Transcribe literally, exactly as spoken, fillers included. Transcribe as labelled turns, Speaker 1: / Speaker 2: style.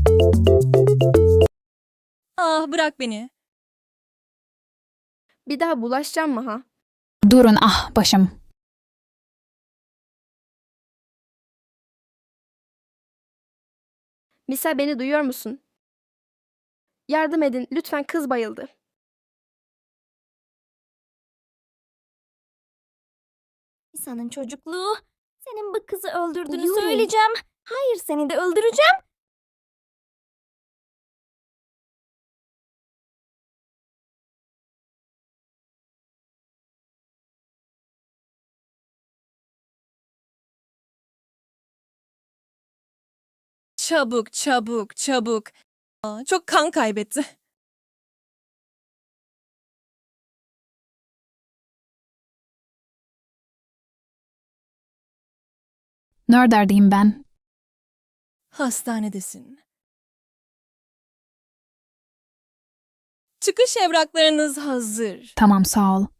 Speaker 1: Ah, bırak beni.
Speaker 2: Bir daha bulaşacağım mı ha?
Speaker 3: Durun, ah başım.
Speaker 2: Misal, beni duyuyor musun? Yardım edin lütfen, kız bayıldı.
Speaker 4: İsa'nın çocukluğu. Senin bu kızı öldürdüğünü
Speaker 2: Yuri.
Speaker 4: söyleyeceğim. Hayır, seni de öldüreceğim.
Speaker 1: Çabuk, çabuk, çabuk. Aa, çok kan kaybetti.
Speaker 3: Neredeyim ben?
Speaker 1: Hastanedesin. Çıkış evraklarınız hazır.
Speaker 3: Tamam, sağ ol.